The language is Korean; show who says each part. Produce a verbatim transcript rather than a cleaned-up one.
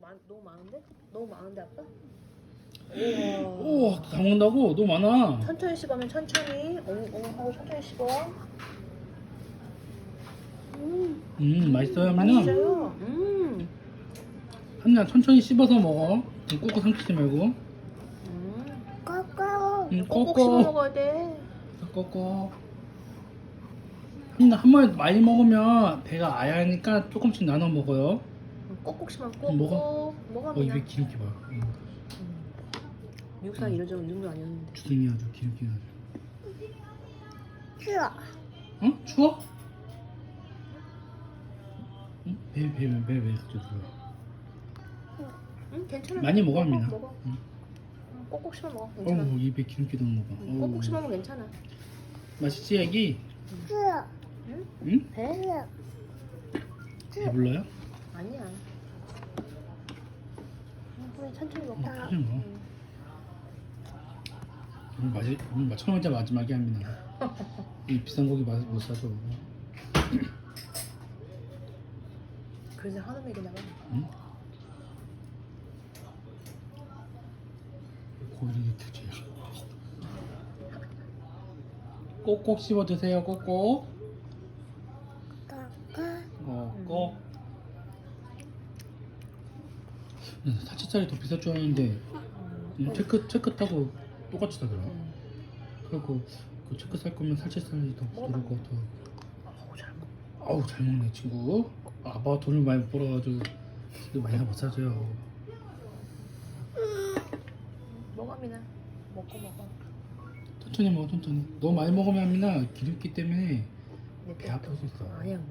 Speaker 1: 많, 너무 많은데? 너무 많은데 아빠?
Speaker 2: 우와 다 먹는다고? 너무 많아.
Speaker 1: 천천히 씹으면 천천히 엉엉 하고 천천히 씹어. 음,
Speaker 2: 음 맛있어요 하민아?
Speaker 1: 맛있어요. 음,
Speaker 2: 하민아 천천히 씹어서 먹어. 꼭꼭 삼키지 말고.
Speaker 1: 음.
Speaker 3: 꼬꼬.
Speaker 2: 음,
Speaker 1: 꼭꼭 씹어
Speaker 2: 꼭꼭
Speaker 1: 먹어야 돼.
Speaker 2: 꼭꼭. 하민아 한 번에 많이 먹으면 배가 아야하니까 조금씩 나눠 먹어요.
Speaker 1: 음, 꼭꼭 씹으면 꼭꼭
Speaker 2: 음, 먹어.
Speaker 1: 먹어.
Speaker 2: 어 입에 기름기 봐. 음.
Speaker 1: 미국 사람 이런 정도 정도 아니었는데.
Speaker 2: 주둥이 아주 기름기 아주.
Speaker 3: 싫어.
Speaker 2: 어? 추워? 응? 배배배배 가지고.
Speaker 1: 응, 괜찮아.
Speaker 2: 많이 먹어
Speaker 1: 꼭꼭
Speaker 2: 하민아.
Speaker 1: 먹어.
Speaker 2: 응.
Speaker 1: 응, 꼭꼭 씹어 먹어. 괜찮아.
Speaker 2: 어우 입에 기름기 도는 거 봐.
Speaker 1: 응, 꼭꼭
Speaker 2: 어우.
Speaker 1: 씹어 먹으면 괜찮아.
Speaker 2: 맛있지 애기?
Speaker 3: 싫어.
Speaker 1: 응?
Speaker 2: 응?
Speaker 1: 배?
Speaker 3: 싫어.
Speaker 2: 배불러요?
Speaker 1: 아니야. 응, 그래 천천히 먹자.
Speaker 2: 어, 하지 마.
Speaker 1: 응.
Speaker 2: 오늘 마지 오늘 마- 첫 번째 마지막에 합니다. 이 비싼 고기 맛 못 사줘.
Speaker 1: 그래서 한우맥이 나가.
Speaker 2: 응? 고기가 규제야. 꼭꼭 씹어 드세요. 꼭꼭.
Speaker 3: 꼬꼬.
Speaker 2: 어, 꼭. 사치살이 더 비쌀 줄 알았는데 음, 체크 체크 타고 똑같이 사더라.
Speaker 1: 응.
Speaker 2: 그리고 그 체크 살 거면 살치살이 더 부드러울 것 같아.
Speaker 1: 어우 잘 먹어.
Speaker 2: 아우 잘 먹네 친구. 아빠 돈을 많이 못 벌어가지고 이거 많이 못 사줘요.
Speaker 1: 먹어 미나. 먹고 먹어.
Speaker 2: 천천히 먹어 천천히. 너무 많이 먹으면 하민아 기름기 때문에
Speaker 1: 내
Speaker 2: 배 아플 수 있어.
Speaker 1: 아니야.